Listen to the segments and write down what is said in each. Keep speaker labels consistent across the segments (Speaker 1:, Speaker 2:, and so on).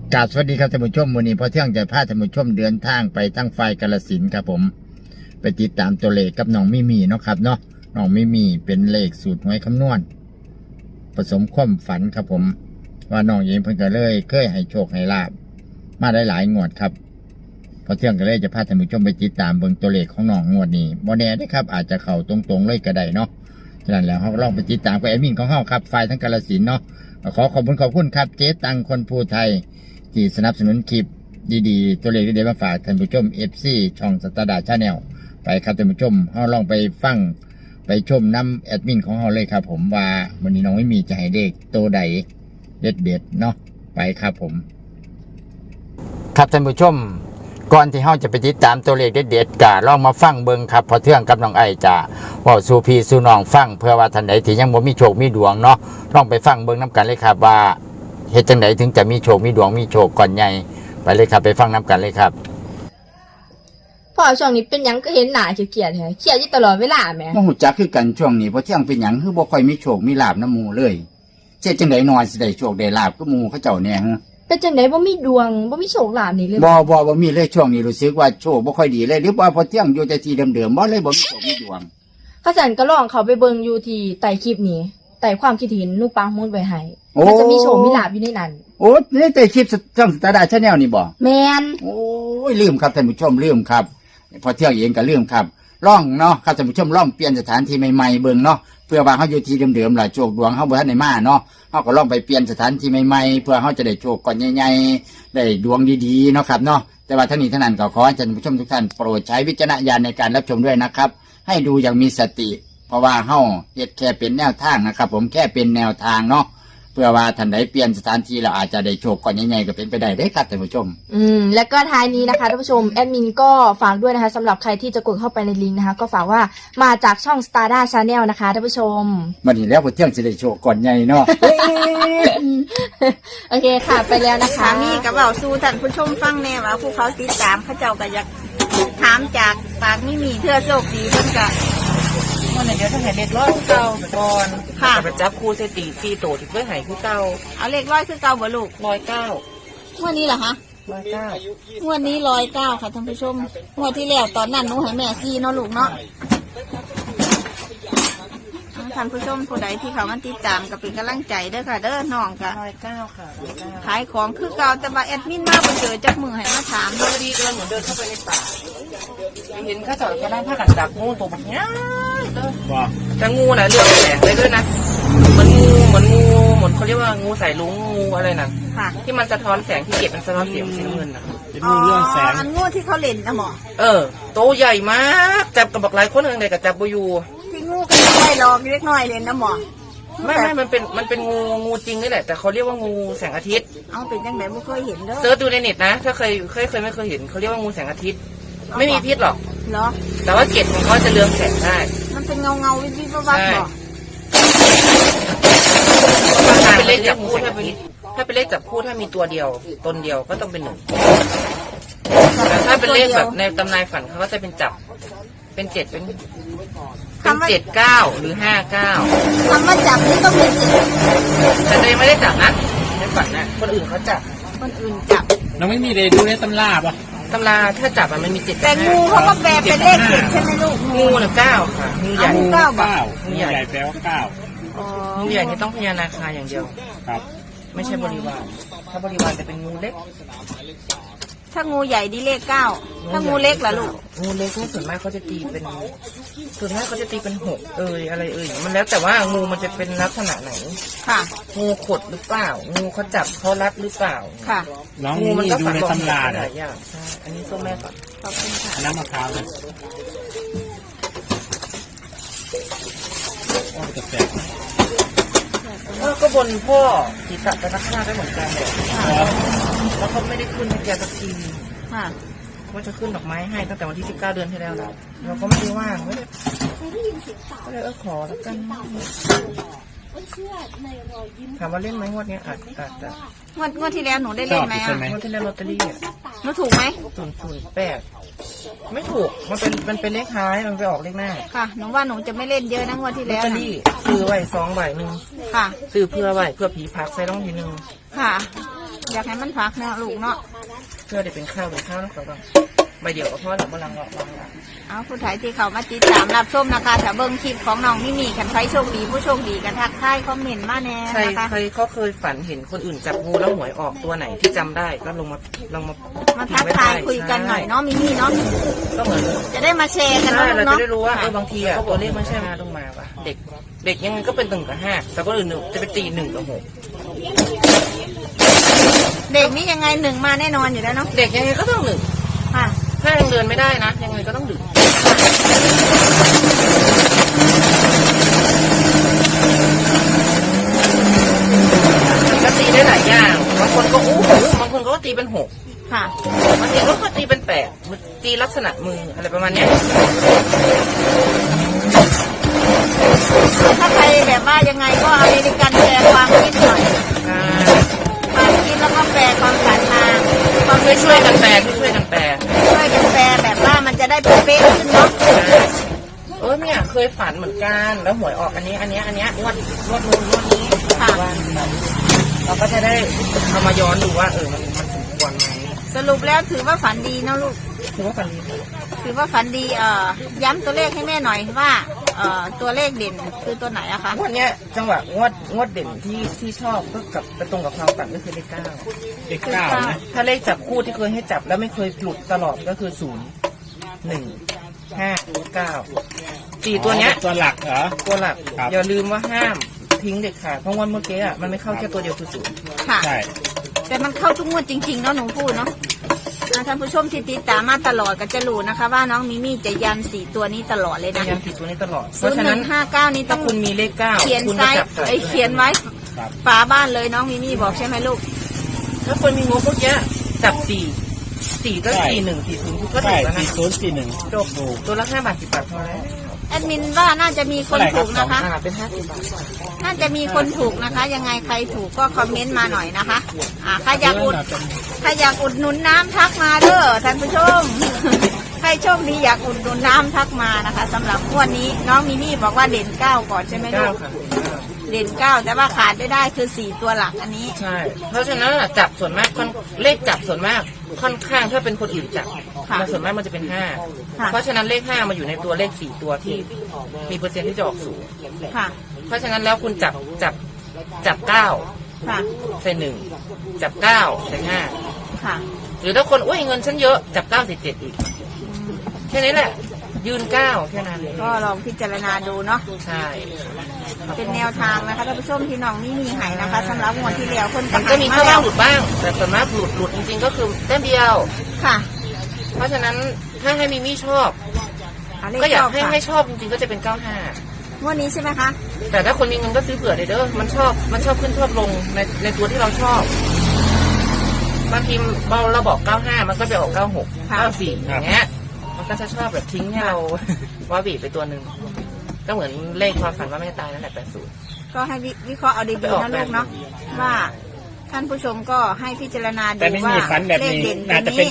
Speaker 1: กราบสวัสดีครับท่านผู้ชมวันนี้พอเที่ยงจะพาท่านผู้ชมเดินทางไปทั้งไฟกาฬสินธุ์ครับผมไปติดตามตัวเลขกับน้องมิมี่เนาะครับเนาะน้องมิมี่เป็นเลขสูตรหวยคำนวณผสมความฝันครับผมว่าน้องเองเพิ่งจะเลยเคยให้โชคให้ลาบมาได้หลายงวดครับพอเที่ยงก็เลยจะพาท่านผู้ชมไปติดตามเบิ่งตัวเลขของน้องงวดนี้บ่แน่ได้ครับอาจจะเข้าตรงๆเลยก็ได้เนาะฉะนั้นแล้วเราลองไปติดตามกับแอดมินของเฮาครับไฟทั้งกาฬสินธุ์เนาะขอบคุณครับเจ๊ตังคนภูไทยที่สนับสนุนคลิปดีๆตัวเลขดีๆมาฝากท่านผู้ชม FC ช่องสตาร์ดาชาแนลไปครับท่านผู้ชมเฮาลองไปฟังไปชมน้ำแอดมินของเฮาเลยครับผมว่าวันนี้น้องไม่มีจะให้เด็กโตใดเด็ดๆเนาะไปครับผมครับท่านผู้ชมก่อนที่เฮาจะไปติดตามตัวเลขเด็ดๆก็ลองมาฟังเบิ่งครับพอเทื่องกับน้องไอจะเว้าสู่พี่สู่น้องฟังเพื่อว่าท่านใดที่ยังบ่มีโชคมีดวงเนาะลองไปฟังเบิ่งนํกันเลยครับว่าเฮ็ดจังไดถึงจะมีโชคมีดวงมีโชคก่อนใหญ่ไปเลยครับไปฟังนํกันเลยครับ
Speaker 2: พ่อช่วงนี้เป็นหยังก็เห็นหน้าเขียดๆแฮะเครียดอยู่ตลอดเวลาแหม
Speaker 1: บ่ฮู้จักคือกันช่วงนี้พอเที่ยงเป็นหยังคือบ่ค่อยมีโชคมีลาภนำหมู่เลยเฮ็ดจังไดน้อยสิได้โชคได้ลาภคือหมู่เขาเจ้าแน่ฮะ
Speaker 2: เป็นจังไดบ่มีดวงบ่มีโชคลาภนี่เลย
Speaker 1: บ่มีเลยช่วงนี้รู้สึกว่าโชคบ่ค่อยดีเลยหรือว่าพอเที่ยงอยู่แต่ที่เดิมๆบ่เลยบ่มีโชคมีดวง
Speaker 2: ข้าสันก็ลองเขาไปเบิ่งอยู่ที่ใต้คลิปนี้ใต้ความคิดเห็นหนูปังหมุดไว้ให้มันจะมีโชคมีลาภอยู่ในนั้น
Speaker 1: โอ้นี่แต่คลิปช่องสตาร์ดาชาแนลนี่บ่
Speaker 2: แม่น
Speaker 1: โอ้ยลืมครับท่านผู้ชมลืมครับพอเที่ยงเองก็ลืมครับล่องเนาะครับท่านผู้ชมล่องเปลี่ยนสถานที่ใหม่ๆเบิ่งเนาะเพื่อว่าเฮาอยู่ที่เดิมๆล่ะโชคดวงเฮาบ่ทันได้มาเนาะเฮาก็ล่องไปเปลี่ยนสถานที่ใหม่ๆเพื่อเฮาจะได้โชคก่อนใหญ่ๆได้ดวงดีๆเนาะครับเนาะแต่ว่าทั้งนี้ทั้งนั้นก็ขอให้ท่านผู้ชมทุกท่านโปรดใช้วิจารณญาณในการรับชมด้วยนะครับให้ดูอย่างมีสติเพราะว่าเฮาเฮ็ดแค่เป็นแนวทางนะครับผมแค่เป็นแนวทางเนาะเพื่อว่าท่านใดเปลี่ยนสถานที่เราอาจจะได้โชคก่อนใหญ่ๆก็เป็นไปได้เด้ครับท่านผู้ชม
Speaker 2: แล้วก็ท้ายนี้นะคะท่านผู้ชมแอดมินก็ฝากด้วยนะคะสำหรับใครที่จะกดเข้าไปในลิงก์นะคะก็ฝากว่ามาจากช่อง Starda Channel นะคะท่านผู้ชม
Speaker 1: วันนี้แล้วพอเที่ยงสิได้โชคก่อนใหญ่เนาะ
Speaker 2: โอเคค่ะไปแล้วนะคะ
Speaker 3: มีกับเบาสู่ท่านผู้ชมฟังแน่ว่าผู้เขาติดตามเขาเจ้าก็อยากถามจากปากไม่มีเทื่อโชคดีเพิ่นก็
Speaker 4: วันไหนเดี๋ยวถ้าให้เด็กร้อยเก่าก่อน
Speaker 3: ค่ะ
Speaker 4: ไปจับครูเซติซีโตที่เพื่อให้คือเก่า
Speaker 3: เอาเลขร้อยคือเก่าบ่ลูก
Speaker 4: 109
Speaker 3: งวดนี้เหรอคะ
Speaker 4: 109
Speaker 3: งวดนี้109ค่ะท่านผู้ชมงวดที่แล้วตอนนั้นหนูให้แม่ซีเนาะลูกเนาะท่านผู้ชมผู้ใดที่เขามาติดตามก็เป็นกำลังใจเด้อค่ะเด้อน้องก็
Speaker 4: 109ค่ะ
Speaker 3: ขายของคือเก่าแต่ว่าแอดมินมาบ่เจอจักมือให้มาถาม
Speaker 4: พอดีกำลังเหมือนเดินเข้าไปในป่าเห็นข้าจอดก็นั่งผ้ากันจับงูตัวแบบนี้แต่งูน่ะเลือดแสงเลยด้วยนะเหมือนเขาเรียกว่างูสายลุงงูอะไรนั่นที่มันสะท้อนแสงที่เก็บมันสะท้อนเสียงสีเงินนะ
Speaker 3: เป็นงูเรื่องแสงอันงูที่เขาเล่นนะหมอ
Speaker 4: โตใหญ่มากจับกับบักหลายคนอะไรกับจับบูยู
Speaker 3: ที่งูก็ไม่ลองเล็กน้อยเล่นนะหมอ
Speaker 4: ไม่มันเป็นงูจริงนี่แหละแต่เขาเรียกว่างูแสงอาทิตย์
Speaker 3: เอาเป็นยังไงไม่เคยเห็นเด้อ
Speaker 4: เซิร์ชดูในเน็ตนะถ้าเคยไม่เคยเห็นเขาเรียกว่างูแสงอาทิตย์ไม่มีพิษหรอกแต่ว่าเกล็ดของเขาจะเรืองแสงได้
Speaker 3: มันเป็นเงาวิบวับหรอ
Speaker 4: ถ้าเป็นเลขจับคู่ถ้าเป็นเลขจับคู่ถ้ามีตัวเดียวตนเดียวก็ต้องเป็น1แต่ถ้าเป็นเลขแบบในตำนายฝันเขาก็จะเป็นจับเป็น7เป็น79หรือ59
Speaker 3: คำว่าจับนี่ต้องเป็น
Speaker 4: 7แต่ตัวเองไม่ได้จับนะในฝันนะคนอื่นเขาจับ
Speaker 3: คนอื่นจับ
Speaker 5: เราไม่มีเลยดูในตำราป่ะ
Speaker 4: ตำราถ้าจับมันมี7
Speaker 3: แต่งูเขาก็แปลเป็นเลข7ใช่ไหมลูก
Speaker 4: งู9ค่ะงูใหญ่
Speaker 3: งู
Speaker 5: ใหญ่แปลว่า
Speaker 4: งูใหญ่นี่ต้องพญานาคาอย่างเดียว
Speaker 5: ครับ
Speaker 4: ไม่ใช่บริวารถ้าบริวารจะเป็นงูเล็ก
Speaker 3: ถ้างูใหญ่ดีเลข9ถ้างูเล็กล่ะลูก
Speaker 4: งูเล็กนี่ส่วนมากเขาจะตีเป็น6อะไรมันแล้วแต่ว่างูมันจะเป็นลักษณะไหน
Speaker 3: ค่ะ
Speaker 4: งูขดหรือเปล่างูเขาจับเขารัดหรือเปล่า
Speaker 3: ค่ะ
Speaker 5: งูมันก็ดูในตำรา
Speaker 4: หลายอย่างใช่อันนี้ส้มแม่ก่อน
Speaker 3: ขอบคุณค่ะ
Speaker 5: น้ำมะพร้าวเลยจะแตก
Speaker 4: ก็บนพ่อศีรษะจะนักหน้าได้เหมือนกันเลยแล้วเขาไม่ได้ขึ้นให้แกสักทีเขาจะขึ้นดอกไม้ให้ตั้งแต่วันที่19เดือนที่แล้วแล้วเราก็ไม่ได้ว่างไม่ได้ก็เลยขอแล้วกันถามว่าเล่นไหมงวดนี้อาจจะ
Speaker 3: งวดที่แล้วหนูได้เล่นไหม
Speaker 4: งวดที่แล้วลอตเตอรี่
Speaker 3: หนูถูกไหม
Speaker 4: 008ไม่ถูกมันเป็นเลขท้ายมันไปออกเลขหน้า
Speaker 3: ค่ะหนูว่าหนูจะไม่เล่นเยอะนะงวดที่แล้ว
Speaker 4: ลอตเตอรี่ซื้อไว้2 ใบ
Speaker 3: ค่ะ
Speaker 4: ซื้อเพื่อไว้เพื่อผีพักใส่รองทีนึง
Speaker 3: ค่ะอยากให้มันพักเนาะลูกเนาะ
Speaker 4: เพื่อได้เป็นข้าวแล้วก็ใบเดียวก็พอแล้วบลังวางละ
Speaker 3: เอาผู้ถ่ายที่เขามาติดตามรับชมนะคะถ้าเบิ่งคลิปของน้องมิมี่กันใครโชคดีผู้โชคดีกันทักทายคอมเมนต์มาแน่
Speaker 4: ใคร
Speaker 3: นะคะ
Speaker 4: เขาเคยฝันเห็นคนอื่นจับงูแล้วหวยออกตัวไหนที่จำได้ก็ลองมา
Speaker 3: มาทักทายคุยกันหน่อยเนาะมิมี่เนาะ
Speaker 4: ก็เหมือน
Speaker 3: จะได้มาแชร์กัน
Speaker 4: ใช่
Speaker 3: เนาะ
Speaker 4: เรา
Speaker 3: ลูก
Speaker 4: จะ
Speaker 3: เนาะ
Speaker 4: ได้รู้ว่าบางทีอะตัวเลขมันใช่มาลงมาว่ะเด็กยังไงก็เป็น1 กับ 5แต่ก็อื่นจะไปตี1 กับ
Speaker 3: เด็กนี่ยังไงหนึ่งมาแน่นอนอยู่แล้วเนาะ
Speaker 4: 6เด็กยังไงก็ต้อง1
Speaker 3: ค่ะ
Speaker 4: ถ้ายังเดินไม่ได้นะยังไงก็ต้อง1ก็ตีได้หลายอย่างบางคนก็บางคนก็ตีเป็น6
Speaker 3: ค่ะ
Speaker 4: บางทีก็ตีเป็น8ตีลักษณะมืออะไรประมาณเนี้ย
Speaker 3: ถ้าใครแบบว่ายังไงก็อเมริกันแปลความคิดหน่อยความคิดแล้วก็แปลความฝันมาความ
Speaker 4: ช่วยกันแปลช่วยกันแปล
Speaker 3: ช่วยกันแปลแบบว่ามันจะได้เป๊ะๆขึ้นเนาะ
Speaker 4: เนี่ยเคยฝันเหมือนกันแล้วหวยออกอันนี้งวดนู้นงวดนี้เราก็จะได้เอามาย้อนดูว่ามันสมควรไหม
Speaker 3: สรุปแล้วถือว่าฝันดีเนาะลูก
Speaker 4: ถือว่าฝันดี
Speaker 3: ถือว่าฝันดีย้ำตัวเลขให้แม่หน่อยว่าตัวเลขเด่นคือตัวไหนอะคะ
Speaker 4: งวดเนี้ยจังหวะงวดเด่นที่ชอบก็กับไปตรงกับความฝันก็คือเลข 9
Speaker 5: เลข 9นะ
Speaker 4: ถ้าเลขจับคู่ที่เคยให้จับแล้วไม่เคยหลุดตลอดก็คือ 0 1 5 9 4ตัวเนี้ย
Speaker 5: ตัวหลักเหรอ
Speaker 4: ตัวหลัก
Speaker 5: ครับ
Speaker 4: อย่าลืมว่าห้ามทิ้งเด็ดขาดเพราะงวดเมื่อกี้มันไม่เข้าแค่ตัวเดียวคือ 0
Speaker 3: ค่ะ
Speaker 5: ใช่
Speaker 3: แต่มันเข้าทุกงวดจริงๆเนาะหนูพูดเนาะท่านผู้ชมที่ติดตามมาตลอดก็จะรู้นะคะ ว่าน้องมิมี่จะยัน4ตัวนี้ตลอดเลย
Speaker 4: พ
Speaker 3: นะ
Speaker 4: ยายามติดตัวนี้ตลอด เพ
Speaker 3: ศูน
Speaker 4: ราะ
Speaker 3: ย์
Speaker 4: ฉะ
Speaker 3: ห
Speaker 4: นั้
Speaker 3: นึ่
Speaker 4: น
Speaker 3: งห้าเก้านี้ต้
Speaker 4: ถ้า
Speaker 3: อง
Speaker 4: คุณมีเลข 9
Speaker 3: เขียน
Speaker 4: คุณ
Speaker 3: ไซ
Speaker 4: ก็
Speaker 3: ส์
Speaker 4: จับใส่
Speaker 3: เขียนไว้
Speaker 5: ครับ
Speaker 3: ฝาบ้านเลยน้องมิมี่บอกใช่ไหมลูก
Speaker 4: ถ้าคนมีงบพวกเนี้ยจับ4ก็
Speaker 5: ใช่
Speaker 4: 4 1 4 0ก็ถู
Speaker 5: ใช่
Speaker 4: กแล้วนะ
Speaker 5: 4041
Speaker 4: จบตัวละ5 บาท 10 บาทพอแล้ว
Speaker 3: แอดมินว่าน่าจะมีคนถูกนะคะ
Speaker 4: เป็น50 บาท
Speaker 3: น่าจะมีคนถูกนะคะ ยังไงใครถูกก็คอมเมนต์มาหน่อยนะคะใครอยากอุดหนุนน้ำทักมาเด้อท่านผู้ชม ใครโชคดีอยากอุดหนุนน้ำทักมานะคะสำหรับงวดนี้น้องมิมี่บอกว่าเด่น9ก่อนใช่ไหมลูก
Speaker 4: 9 ค่ะ
Speaker 3: เด่น9แต่ว่าขาดไม่ได้คือ4ตัวหลักอันนี้
Speaker 4: ใช่ เพราะฉะนั้นจับส่วนมากเลขจับส่วนมากค่อนข้างถ้าเป็นคนอื่นจับ
Speaker 3: ค่ะ
Speaker 4: มันส่วนมากมันจะเป็น
Speaker 3: ค่ะ
Speaker 4: 5 เพราะฉะนั้นเลข 5มาอยู่ในตัวเลข 4 ตัวที่มีเปอร์เซ็นต์ที่จะออกสูง
Speaker 3: ค่ะ
Speaker 4: เพราะฉะนั้นแล้วคุณจับ9
Speaker 3: ค่ะ
Speaker 4: ใส่1จับ9ใส่5
Speaker 3: ค่ะ
Speaker 4: หรือถ้าคนอุ้ยเงินฉันเยอะจับ9ใส่7อีกแค่นี้แหละ ยืน9แค่นั้นเลย
Speaker 3: ก็ลองพิจารณาดูเนาะ
Speaker 4: ใช่
Speaker 3: เป็นแนวทางนะคะท่านผู้ชมที่น้องมิมี่ให้นะคะสำหรับงวดที่แล้วคน
Speaker 4: มันก็มีเข้าบ้างหลุดบ้าง แต่ส่วนมากหลุดจริงๆก็คือแต้มเดียว
Speaker 3: ค่ะ
Speaker 4: เพราะฉะนั้นถ้าให้มิมี่ชอบ
Speaker 3: เลข
Speaker 4: ก็อยาก
Speaker 3: ชอบ
Speaker 4: ให้
Speaker 3: ค่ะ
Speaker 4: ให้ชอบจริงๆก็จะเป็น95
Speaker 3: งวดนี้ใช่ไหมคะ
Speaker 4: แต่ถ้าคนมีเงินก็ซื้อเผื่อเลยเด้อมันชอบขึ้นชอบลงในตัวที่เราชอบบางทีเราบอก95มันก็ไปออก96 94อย่างเงี้ยมันก็จะชอบแบบทิ้งให้เรา ว่าบีไปตัวหนึ่งก็เหมือนเลขความฝันว่าไม่ตายนั่นแหละ80
Speaker 3: ก็ให้วิเคราะห์เอาดีๆนะลูกเนาะว่าท่านผู้ชมก็ให้พิจารณาดู
Speaker 5: แต่ไม่
Speaker 3: ว่า
Speaker 5: มีฝันแบบ
Speaker 3: เลข
Speaker 5: นี้
Speaker 3: เด่น
Speaker 5: น่า
Speaker 3: ตั
Speaker 5: จะ
Speaker 3: ว
Speaker 5: เป็น
Speaker 3: นี้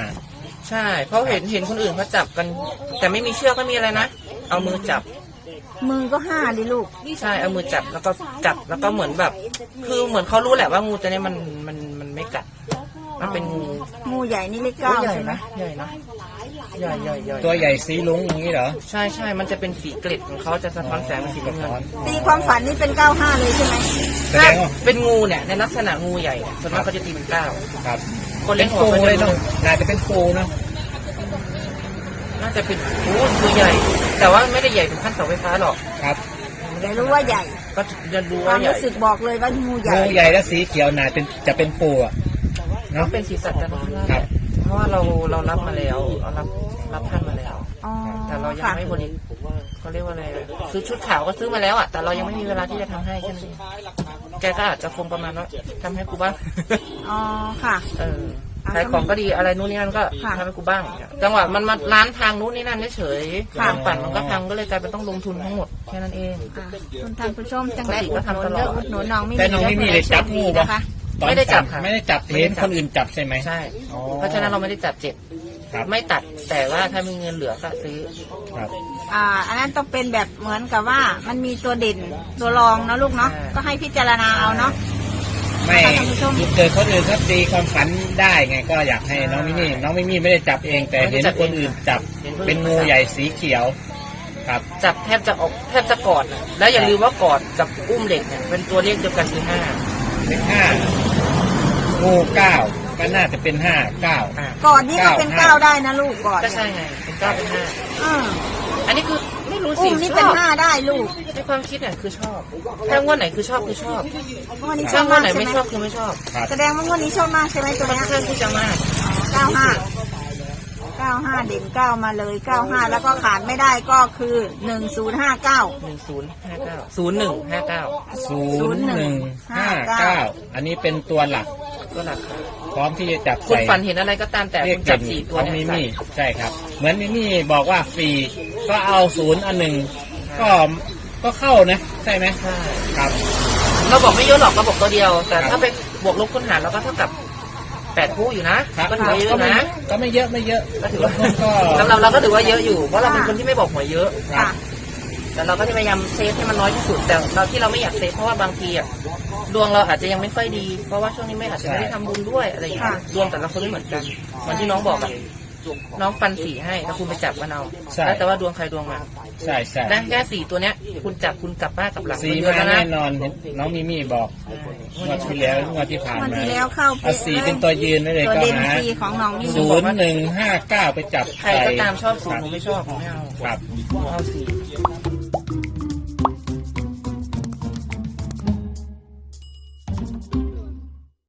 Speaker 5: 95
Speaker 4: ใช่ เพราะเห็นคนอื่นเขาจับกัน แต่ไม่มีเชือกไม่มีอะไรนะเอามือจับ
Speaker 3: มือก็5ดิลูก
Speaker 4: ใช่เอามือจับแล้วก็แล้วก็เหมือนแบบ คือเหมือนเขารู้แหละว่างูตัวนี้มันไม่กัด มันเป็นงู
Speaker 3: งูใหญ่นี่เลข
Speaker 4: ให
Speaker 3: 9
Speaker 4: ญ่
Speaker 3: ใช่ไหม
Speaker 4: นะใหญ่นะใหญ่
Speaker 5: ตัวใหญ่สีลุงอย่างนี้เหรอ
Speaker 4: ใช่มันจะเป็นสีเกล็ดของเขาจะสะท้อนแสงเป็นสีน้ำเงิน
Speaker 3: ตีความฝันนี่เป็น95เลยใช่ไหม
Speaker 5: แสดงว่า
Speaker 4: เป็นงูเนี่ยในลักษณะงูใหญ่เนี่ยส่วนมากเขาจะตีเป็น9
Speaker 5: ครับ
Speaker 4: คน
Speaker 5: เป็
Speaker 4: เล่
Speaker 5: น
Speaker 4: นหัว
Speaker 5: ปู
Speaker 4: เขา
Speaker 5: เลย
Speaker 4: จะ
Speaker 5: เนาะน่าจะเป็นปูเนาะ
Speaker 4: น่าจะเป็นตัวใหญ่ แต่ว่าไม่ได้ใหญ่ถึงขั้นเสาไฟฟ้าหรอก
Speaker 5: ครับ
Speaker 3: แต่รู้ว่าใหญ่
Speaker 4: ก็จะดู
Speaker 3: ควา
Speaker 4: ว่าม ใหญ่
Speaker 3: รู้สึกบอกเลยว่างูใหญ่
Speaker 5: งูใหญ่และสีเขียวน่าจะเป็นปูอะ
Speaker 4: ก็
Speaker 5: เนาะ
Speaker 4: เป็นสีสันจันทร์
Speaker 5: ครับ
Speaker 4: เพราะว่าเรารับมาแล้วเรารับท่านมาแล้ว
Speaker 3: อ๋อ
Speaker 4: แต่เรายัง
Speaker 3: ค่ะ
Speaker 4: ไม่บริเขาเรียกว่าอะไรซื้อชุดขาวก็ซื้อมาแล้วอ่ะแต่เรายังไม่มีเวลาที่จะทำให้แค่นั้นเองแกก็อาจจะคงประมาณว่าทำให้กูบ้าง
Speaker 3: อ๋อค่ะ
Speaker 4: ขายของก็ดีอะไรนู้นนี่นั่นก็
Speaker 3: ค่ะ
Speaker 4: ทำให้กูบ้าง จังหวะมันมาร้านพังนู้นนี่นั่นเฉยๆ
Speaker 3: ค่ะ
Speaker 4: ทางปั่นมันก็พังก็เลยกลายเป็นต้องลงทุนทั้งหมดแค่นั้นเอง
Speaker 3: คุณท่านผู้ชมจังได้
Speaker 4: ปกติ
Speaker 3: อุ
Speaker 4: ก็
Speaker 3: ดหนุ
Speaker 4: ทำต
Speaker 3: น
Speaker 4: ลอด
Speaker 3: เลือกอุดหนุนน้องไม่
Speaker 5: แต่น้องไม่มีเลยจับงูปะ
Speaker 3: นะคะ
Speaker 5: ตอน
Speaker 4: ไม่ได้จับค่ะ
Speaker 5: ไม่ได้จับเห็นคนอื่นจับใช่ไหม
Speaker 4: ใช่
Speaker 5: อ๋อ
Speaker 4: เพราะฉะนั้นเราไม่ได้จับเจ็ด
Speaker 5: ครับ
Speaker 4: ไม่ตัดแต่ว่าถ้ามีเงินเหลือก็ซื้อ
Speaker 5: ครับ
Speaker 3: อันนั้นต้องเป็นแบบเหมือนกับว่ามันมีตัวเด่นตัวรองนะลูกเนาะ
Speaker 4: ใช่
Speaker 3: ก็ให้พิจารณาเอาเนาะ
Speaker 5: ไม่
Speaker 3: นะคะท่านผู้ชม
Speaker 5: เกิดคนอื่นเขาตีความฝันได้ไงก็อยากให้น้องมิมี่ไม่ได้จับเองแต่เห็นคนอื่นจับเป็นงูใหญ่สีเขียวครับ
Speaker 4: จับแทบจะกอดน่ะแล้วอย่าลืมว่ากอดกับอุ้มเด็กเนี่ยเป็นตัวเลขเดียวกันคือ5
Speaker 5: เป็น5งู9ก็น่าจะเป็น5 9
Speaker 3: ก่อนนี่ก็เป็น 9ได้นะลูกก่อน
Speaker 4: ก็ใช่ไงเป็น9เป็น
Speaker 3: อืม
Speaker 4: 5อันนี้คือไม่รู้สิ
Speaker 3: อุ้มนี่เป็น
Speaker 4: ชอบ
Speaker 3: 5ได้ลูก
Speaker 4: ในความคิดเนี่ยคือชอบถ้างวดไหนคือชอบคือชอบ
Speaker 3: งวดนี้ช
Speaker 4: ถ้า
Speaker 3: อบ
Speaker 4: งว
Speaker 3: มา
Speaker 4: ด
Speaker 3: ก
Speaker 4: ไหน
Speaker 3: ใช่
Speaker 4: ไม่
Speaker 3: ไหม
Speaker 4: ชอบคือไม่ชอบ
Speaker 3: แสดงว่างวดนี้ชอบมากใช่ไหมตัว
Speaker 4: ค่อน
Speaker 3: เนี้ย
Speaker 4: ข้างที่จะมาก
Speaker 3: 95เด่น9มาเลย95แล้วก็ขาดไม่ได้ก็คือ1059
Speaker 5: 0159 อันนี้เป็นตัวหลัก
Speaker 4: ก็หลัก
Speaker 5: พร้อมที่จะจับ
Speaker 4: คุณ
Speaker 5: ใส่
Speaker 4: ฝันเห็นอะไรก็ตามแต่
Speaker 5: เรีย
Speaker 4: คุ
Speaker 5: ก
Speaker 4: ณจับ
Speaker 5: เด่น
Speaker 4: 4 ตัว
Speaker 5: ของ
Speaker 4: เนี่ย
Speaker 5: มิมี่ใช่ครับ เหมือนมิมี่บอกว่าฟรีก็เอา0 อัน 1ก็เข้านะใช่ไหม
Speaker 4: ใช่
Speaker 5: ครับ
Speaker 4: เราบอกไม่เยอะหรอกเราบอกตัวเดียว แต่ถ้าไปบวกลบคูณหารเราก็เท่ากับ8 คู่อยู่นะครับ ก็ถือว่าเยอะนะ
Speaker 5: ก็ไม่เยอะ
Speaker 4: ก็ถือว่า
Speaker 5: ก็
Speaker 4: สำหรับเราก็ถือว่าเยอะอยู่เพราะเราเป็นคนที่ไม่บอกหวยเยอะ
Speaker 3: ค่ะ
Speaker 4: แต่เราก็จะพยายามเซฟให้มันน้อยที่สุดแต่เราที่เราไม่อยากเซฟเพราะว่าบางทีอะดวงเราอาจจะยังไม่ค่อยดี เพราะว่าช่วงนี้ไม่อาจจะไม่ได้ทำบุญด้วยอะไรอย่างเงี้ยดวงแต่ละคนไม่เหมือนกันเหมือนที่น้องบอกอะน้องฟัน4ให้แล้วคุณไปจับมันเอาแล้วแต่ว่าดวงใครดวงมัน
Speaker 5: ใช่ใช่
Speaker 4: ได้แค่4ตัวเนี้ยคุณจับคุณกลับบ้านกับหลัง
Speaker 5: สี
Speaker 4: เดือน
Speaker 5: มา
Speaker 4: แล้วนะ
Speaker 5: แน่นอนน้องมิมี่บอกงวดที่แล้วงวดที่ผ่าน
Speaker 3: วัน
Speaker 5: มา
Speaker 3: ที่แล้วเข้า
Speaker 5: เอาสีเป็นตัวยืนไว้เลย
Speaker 3: ตัว
Speaker 5: ก็
Speaker 3: เด่น
Speaker 5: หา
Speaker 3: ซีของน้องนี่
Speaker 5: 0159ไปจับ
Speaker 4: ใครก็ตามชอบ0หนูไม่ชอบหนูไม่เอา
Speaker 5: ครับ
Speaker 4: หนูเอา4